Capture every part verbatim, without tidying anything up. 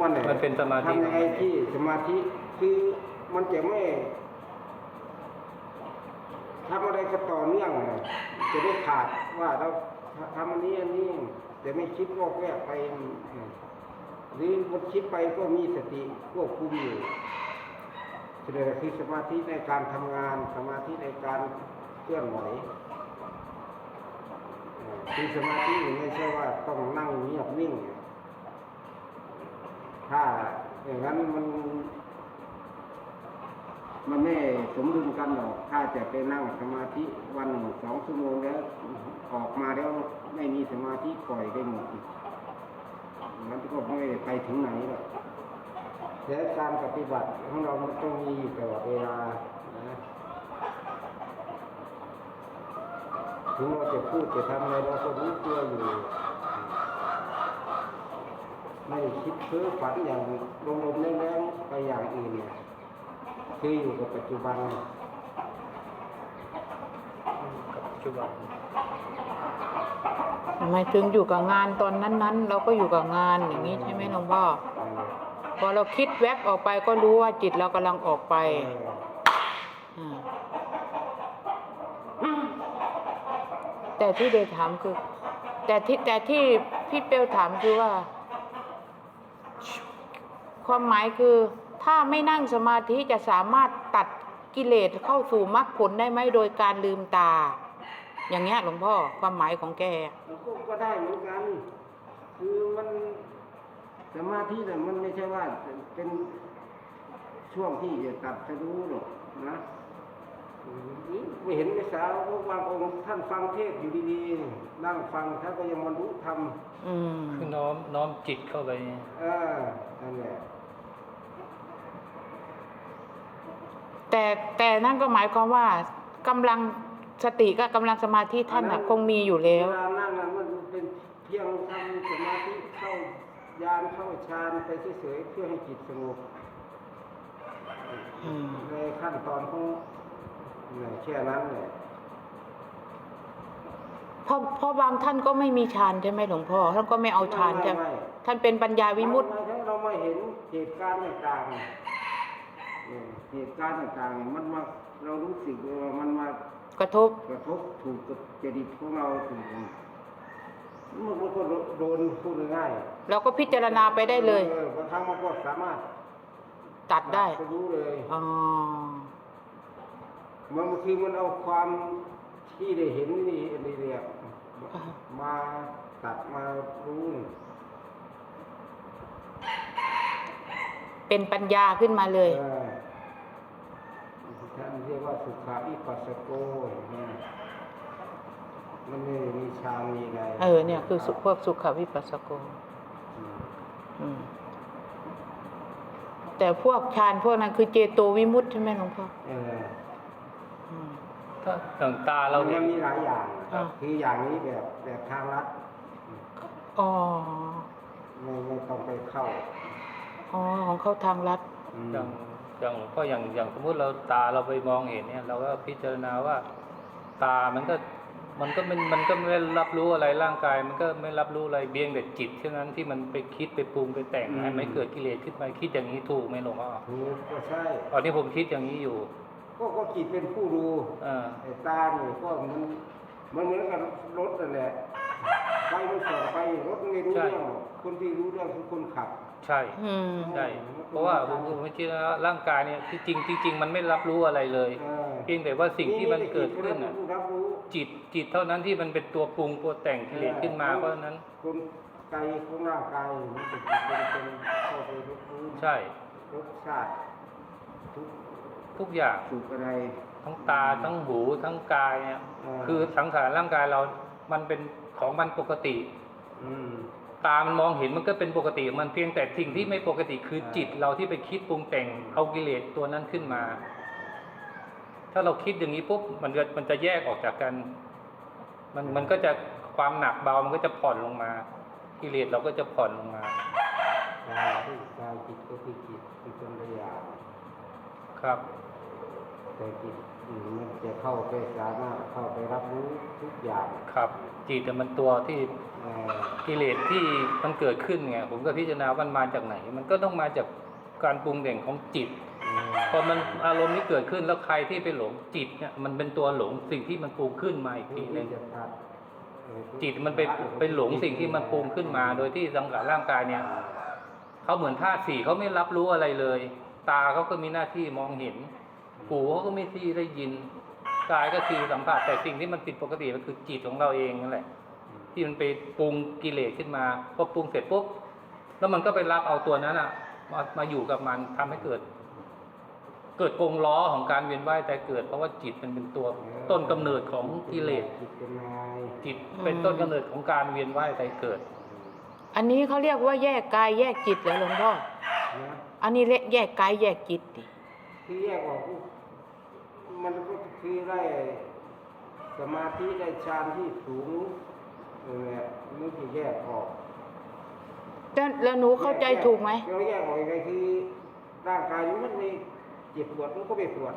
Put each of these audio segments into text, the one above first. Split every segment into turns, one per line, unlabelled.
มันเนี่ย
มันเป็นสมาธิ
ทำยังไงที่สมาธิคือมันจะไม่ทำอะไรก็ต่อเนื่องจะได้ขาดว่าเราทำอันนี้อันนี้จะไม่คิดวอกแวกไปหรือมันคิดไปก็มีสติควบคุมอยู่แสดงคือสมาธิในการทำงานสมาธิในการเคลื่อนไหวคือสมาธิไม่ใช่ว่าต้องนั่งเงียบนิ่งถ้าอย่างนั้นมันมันไม่สมดุลกันหรอกถ้าจะไปนั่งสมาธิวันหนึ่งสองชั่วโมงแล้วออกมาแล้วไม่มีสมาธิปล่อยไปหมดมันก็ไม่ไปถึงไหนหรอกแต่การปฏิบัติของเรามันต้องมีตลอดเวลานะถึงเราจะพูดจะทำอะไรเราก็รู้ตัวอยู่ไม่คิดเพ้อฝันอย่างลมๆแรงๆไปอย่างอื่นเนี่ยคืออยู่กับปัจจุบัน
กับปัจจุบัน
หมายถึงอยู่กับงานตอนนั้นๆเราก็อยู่กับงานอย่างนี้ใช่ไหมหลวงพ่อพอเราคิดแวบออกไปก็รู้ว่าจิตเรากำลังออกไปแต่ที่เดชถามคือแต่ที่แต่ที่พี่เปลถามคือว่าความหมายคือถ้าไม่นั่งสมาธิจะสามารถตัดกิเลสเข้าสู่มรรคผลได้ไหมโดยการลืมตาอย่างเงี้ยหลวงพ่อความหมายของแก
ก็ได้เหมือนกันคือมันสมาธิเนี่ยมันไม่ใช่ว่าเป็นช่วงที่จะตัดจะรู้หรอกนะไม่เห็นไม่สาวบางองค์ท่านฟังเทศอยู่ดีๆนั่งฟังท่านก็ยังบรรลุธรรม
คือน้อมน้อมจิตเข้าไป
เออนั่นแหละ
แต่แต่นั่นก็หมายความว่ากำลังสติกับกำลังสมาธิท่านคงมีอยู่แล้ว
เวลานั่งนั้นมันเป็นเพียงทำสมาธิเข้ายานเข้าฌานไปเฉยๆเพื่อให้จิตสงบในขั้นตอนของแค่นั้นเลย
เพราะเพราะบางท่านก็ไม่มีฌานใช่ไหมหลวงพ่อท่านก็ไม่เอาฌานใช่ไหมท่านเป็นปัญญาวิมุตติ
เราไม่เห็นเหตุการณ์ต่างๆเหตุการณ์ต่างๆมันมาเรารู้สึกว่ามันมาก
ระทบ
กระทบถูกกับจริตของเราถูกมันก็โดนพูดง่าย
เราก็พิจารณาไปได้เลย
บางครั้งมันก็สามารถ
ตัดได้
ก็รู้เลย
อ๋อบ
างทีมันเอาความที่ได้เห็นนี่นี่เรียกมาตัดมารู้
เป็นปัญญาขึ้นมาเลย
ท่านเรียกว่าสุขาวิปัสสโกมันไม่มีฌานมีอะไร
เออเนี่ยคือพวกสุขาวิปัสสโกแต่พวกฌานพวกนั้นคือเจโตวิมุตติใช่ไหมหลวงพ่อ
เออ
ถ้าต่างตาเรา
เนี่ยมีหลายอย่างคืออย่างนี้แบบแบบทางลัด
อ๋อ
ไม่ไม่ต้องไปเข้า
อ๋อของเข้าทางลัด
อย่างอย่างก็อย่างอย่างสมมติเราตาเราไปมองเห็นเนี่ยเราก็พิจารณาว่าตามันก็มันก็มันมันก็ไม่รับรู้อะไรร่างกายมันก็ไม่รับรู้อะไรเบียงแต่จิตเท่านั้นที่มันไปคิดไปปรุงไปแต่งให้ไม่เกิดกิเลสขึ้นมาคิดอย่างนี้ถูกไหมหลวงพ่อ
ถูกก็ใช่
ตอนนี้ผมคิดอย่างนี้อยู่
ก็ก็จิตเป็นผู้ดูไอ้ตาเนี่ยก็มันมันเหมือนกับรถนั่นแหละไปมันส่องไปรถไม่รู้เรื่องคนที่รู้เรื่องคือคนขับ
ใช่ใช่เพราะว่าผมผมคิดว่าร่างกายเนี่ยที่จริงจริงมันไม่รับรู้อะไรเลยเพียงแต่ว่าสิ่งที่มันเกิดขึ้นน่ะจิตจิตเท่านั้นที่มันเป็นตัวปรุงตัวแต่งกิเลสขึ้นมาเพราะนั้น
คนใจของร่างกายมันเป็นเป็นเข้าไปรับรู้
ใช่
รสชาติทุก
ทุกอย่าง
สุขอะไร
ทั้งตาทั้งหูทั้งกายเนี่ยคือสังขารร่างกายเรามันเป็นของมันปกติตามันมองเห็นมันก็เป็นปกติมันเพียงแต่สิ่งที่ไม่ปกติคือจิตเราที่ไปคิดปรุงแต่งเอากิเลสตัวนั้นขึ้นมาถ้าเราคิดอย่างนี้ปุ๊บมันจะมันจะแยกออกจากกันมันมันก็จะความหนักเบามันก็จะผ่อนลงมากิเลสเราก็จะผ่อนลงมาก
ายจิตก็คือจิตเป็นคนละอย่าง
ครับ
แต่จิตมันจะเข้าไปสามารถเข้าไปรับรู้ทุกอย่าง
ครับจิตมันตัวที่กิเลสที่มันเกิดขึ้นไงผมก็พิจารณาว่ามันมาจากไหน มันก็ต้องมาจากการปรุงแต่งของจิตพอมันอารมณ์นี้เกิดขึ้นแล้วใครที่ไปหลงจิตเนี่ยมันเป็นตัวหลงสิ่งที่มันปรุงขึ้นมาอีกทีหนึงจิตมันไปไปหลงสิ่งที่มันปรุงขึ้นมา โดยที่สังขารร่างกายเนี่ยเขาเหมือนธาตุสี่เขาไม่รับรู้อะไรเลย ตาเขาก็มีหน้าที่มองเห็นหูเขาก็มีที่ได้ยินกายก็คือสัมผัสแต่สิ่งที่มันผิดปกติก็คือจิตของเราเองนั่นแหละที่มันไปปรุงกิเลสขึ้นมาพอปรุงเสร็จปุ๊บแล้วมันก็ไปรับเอาตัวนั้นอ่ะมามาอยู่กับมันทำให้เกิด เกิดกงล้อของการเวียนว่ายแต่เกิดเพราะว่าจิตมันเป็นตัวต้นกำเนิดของกิเลส
จิตเป็นนาย
จิตเป็นต้นกำเนิดของการเวียนว่ายแต่เกิด
อันนี้เขาเรียกว่าแยกกายแยกจิตเหรอหลวงพ่อ
นะ
อันนี้เรียกแยกกายแยกจิตดิ
ที่แยกออกปุ๊บมันก็คือได้สมาธิได้ฌานที่สูงนั่นแหละมันจะแยกออก
แล้วแล้วหนูเข้าใจถูกไหม
เราแยกออกยังไงคือร่างกายนี้มันไม่เจ็บปวดมันก็ไม่ปวด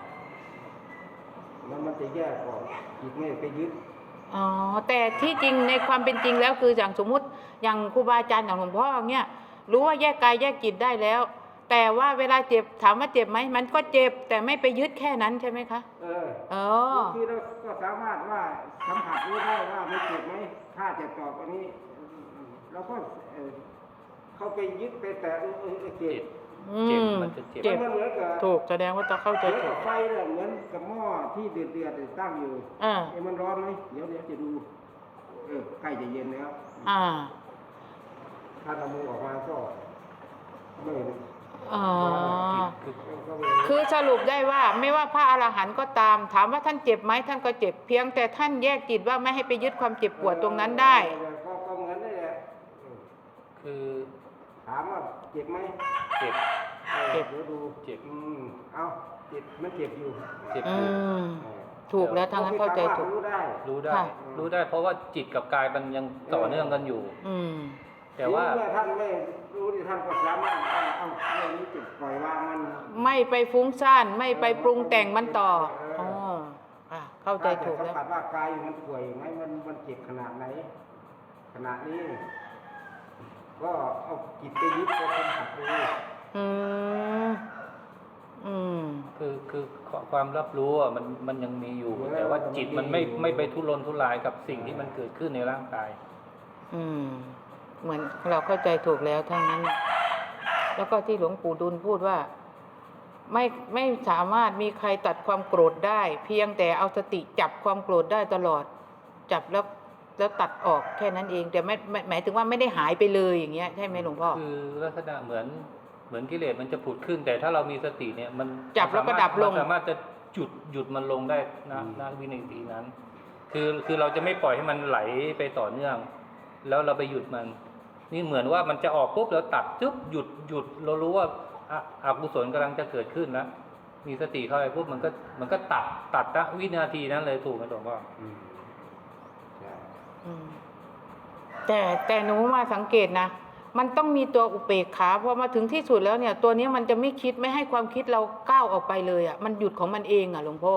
มันมันจะแยกออกจิตไม่ไปยึด
อ๋อแต่ที่จริงในความเป็นจริงแล้วคืออย่างสมมุติอย่างครูบาอาจารย์อย่างหลวงพ่อเนี่ยรู้ว่าแยกกายแยกจิตได้แล้ว แต่ว่าเวลาเจ็บถามว่าเจ็บไหมมันก็เจ็บแต่ไม่ไปยึดแค่นั้นใช่ไหมคะ
เออ
เออ
คือเราก็สามารถว่าสัมผัสรู้ได้ว่ามันเจ็บไหมถ้าจะตอบอันนี้เราก็เออเข้าไปยึดไปแต่เออเออเจ็บ
อื
เจ็บ
ม
มันจะเจ็บ
เจ็บ
มันเหมือนกับ
ถูกแสดงว่าต้องเข้าใจ
เหมือน
ถู
กับ
ก
ไฟเนี่ยเหมือนกับหม้อที่เดือดเดือดๆตั้งอยู่
อ่า
เอ้มันร้อนไหมเดี๋ยวเดี๋ยวจะดูเออใกล้จะเย็นแล้ว
อ่า
ถ้าเอามือออกมาก็ไม่
อ๋อ
ก็ไม่
คือสรุปได้ว่าไม่ว่าพระอรหันต์ก็ตาม ถามว่าท่านเจ็บไหมท่านก็เจ็บเพียงแต่ท่านแยกจิตว่าไม่ให้ไปยึดความเจ็บปวดตรงนั้นได้
เออก็ก็เหมือนนั่นแหละเออ
คือ
ถามว่าเจ็บไหม
เจ็บ
ออ
เจ็บ
ดี๋ยวดู
เจ็บ
อืมเอาเจ็บมันเจ็บอยู่
เจ็บ
อื
อยู่
ม ถูกแล้วทางนั้นเข้าใจถูก
รู้ได้
รู้ได้
ค่ะ
รู้ได้เพราะว่าจิตกับกายมันยังต่อเนื่องกันอยู่
อืม
แต่ว่า
เมื่อท่านไม่รู้ที่ท่านก็สามารถเอาเอาเรื่องนี้จิตปล่อยวางมัน
ไม่ไปฟุ้งซ่านไม่ไปปรุงแต่งมันต่ออ๋ออ่ะเข้าใจถูก
ถ้า
แล้
จะ
ว
สัมผัสว่ากายมันป่วยไหมมันมันเจ็บขนาดไหน ขนาดนี้ ก็เอาจิตไปยึดไปสัมผัสดู
อืม อืม
คือคือความรับรู้อ่ะมันมันยังมีอยู่ แต่ว่าจิตมันไม่ไม่ไปทุรนทุรายกับสิ่งที่มันเกิดขึ้นในร่างกาย
อืม เหมือนเราเข้าใจถูกแล้วทั้งนั้น แล้วก็ที่หลวงปู่ดุลพูดว่า ไม่ไม่สามารถมีใครตัดความโกรธได้ เพียงแต่เอาสติจับความโกรธได้ตลอด จับแล้วแล้วตัดออกแค่นั้นเอง แต่ไม่ไม่หมายถึงว่าไม่ได้หายไปเลยอย่างเงี้ยใช่ไหมหลวงพ่อ
คือลักษณะเหมือนเหมือนกิเลสมันจะผุดขึ้น แต่ถ้าเรามีสติเนี่ยมัน
จับแล้วก็ดับลง
มันสามารถจะหยุดหยุดมันลงได้นะณวินาทีนั้น คือคือเราจะไม่ปล่อยให้มันไหลไปต่อเนื่อง แล้วเราไปหยุดมัน นี่เหมือนว่ามันจะออกปุ๊บแล้วตัดจุ๊บหยุดหยุดเรารู้ว่าอะอกุศลกำลังจะเกิดขึ้นแล้วมีสติเข้าไปปุ๊บมันก็มันก็ตัดตัดณวินาทีนั้นเลยถูกไหมหลวงพ่อ
อืมใช่
อืมแต่แต่หนูมาสังเกตนะ มันต้องมีตัวอุเบกขาพอมาถึงที่สุดแล้วเนี่ย ตัวนี้มันจะไม่คิดไม่ให้ความคิดเราก้าวออกไปเลยอ่ะมันหยุดของมันเองอ่ะหลวงพ่อ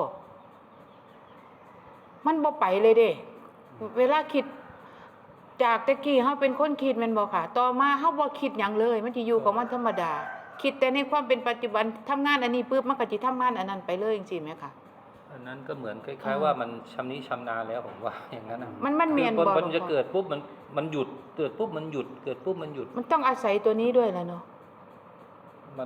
มันบ่ไปเลยเด้ เวลาคิด จากตะกี้เขาเป็นคนคิดแมันบ่ค่ะ ต่อมาเขาบ่คิดหยังเลย มันจะอยู่ของมันธรรมดา คิดแต่ในความเป็นปัจจุบันทำงานอันนี้ปุ๊บมันก็จะทำงานอันนั้นไปเลยจริงๆไหมคะ
อันนั้นก็เหมือนคล้ายๆว่ามันชำนิชำนาญแล้วผมว่าอย่างนั้นนะ
มันมันเมียน
คือ
บ่
มัน
หลวง
จะ
พ่อ
เกิดปุ๊บมันมันหยุดเกิดปุ๊บมันหยุดเกิดปุ๊บมันหยุด
มันต้องอาศัยตัวนี้ด้วยแหละเนาะ
มัน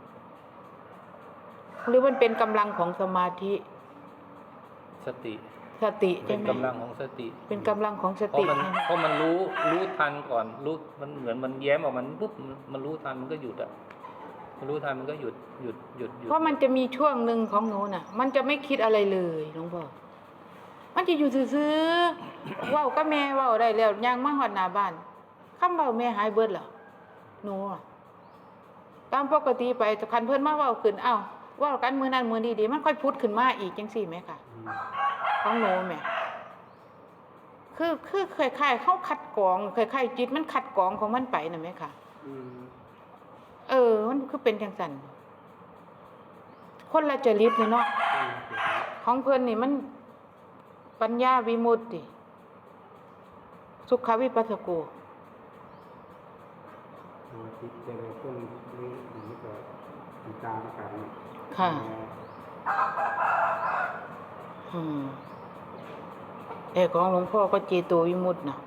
หรือมันเป็นกำลังของสมาธิ
สติ
สติ
เป็
ใช่
น
ไหม
กำลังของสติ
เป็นกำลังของส
เพราะ
ติ
มัน
ใช่ไหม
เพราะมันรู้รู้ทันก่อนรู้มันเหมือนมันแย้มออกมันปุ๊บมันมันรู้ทันมันก็หยุดอ่ะมันรู้ทันมันก็หยุดหยุดหยุดหยุด
เพราะมันจะมีช่วงหนึ่งของหนูน่ะ มันจะไม่คิดอะไรเลยหลวงพ่อมันจะอยู่ซื่อๆ เว้ากับแม่เว้าได้แล้วย่างมาฮอดหน้าบ้านคำเว้าแม่หายเบิดแล้วหนูอะตามปกติไปคันเพิ่นมาเว้าขึ้นเอ้าเว้ากันมื้อนั้นมื้อนี้ดีมันค่อยพุดขึ้นมาอีกจังซี่แหมค่ะ
อืม
ของหนูแหมคือคือคล้ายๆเขาคัดกรองคล้ายๆจิตมันคัดกรองของมันไปน่ะแหมค่ะ
อืม
เออ มันคือเป็นจังซั่นคนละจริตนี่เนาะ ของเพิ่นนี่มันปัญญาวิมุตติสุขวิปัสสโก
สมาธิจะเริ่มต้นนี้นี้ก็ติดตามกัน
ค่ะ อืมแต่ของหลวงพ่อก็เจโตวิมุตตินะ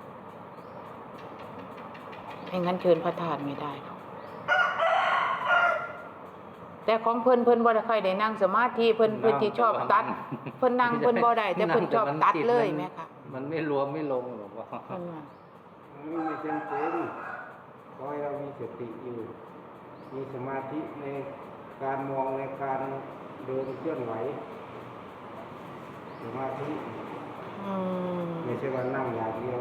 ไม่งั้นเชิญพระธาตุไม่ได้หรอกแต่ของเพิ่นเพิ่นบ่ได้ค่อยได้นั่งสมาธิเพิ่นเพิ่นที่ชอบตัด เพิ่นนั่งเพิ่นบ่ได้แต่เพิ่นชอบตัดเลยแม่ค่ะ
มันไม่รวมไม่ลงหรอกว่า
เพิ่นว่า
ไม่จำเป็นขอให้เรามีสติอยู่ มีสมาธิในการมองในการเดินเคลื่อนไหวสมาธิ
อืม
ไม่ใช่ว่านั่งอย่างเดียว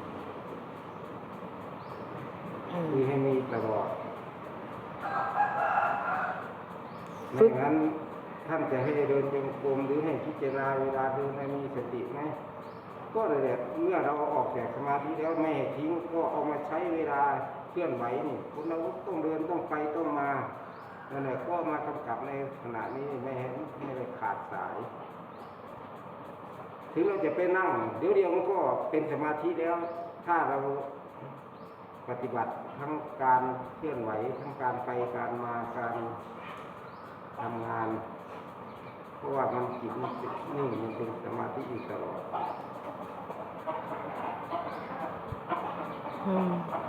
อืม
มีให้มีตลอด
ฝึ
ไม่
ก
งั้นท่านจะให้เดินจงกรมหรือให้พิจารณาเวลาเดินให้มีสติไหมก็เลยแหละเมื่อเราเอาออกจากสมาธิแล้วไม่ให้ทิ้งก็เอามาใช้เวลาเคลื่อนไหวนี่คนเราต้องเดินต้องไปต้องมานั่นแหละก็มากำกับในขณะนี้ไม่ให้ไม่ให้ขาดสาย ถึงเราจะไปนั่งเดี๋ยวเดียวมันก็เป็นสมาธิแล้ว ถ้าเราปฏิบัติทั้งการเคลื่อนไหวทั้งการไปการมาการทำงาน เพราะว่ามันจิตมันนิ่งมันเป็นสมาธิอยู่ตลอด
อืม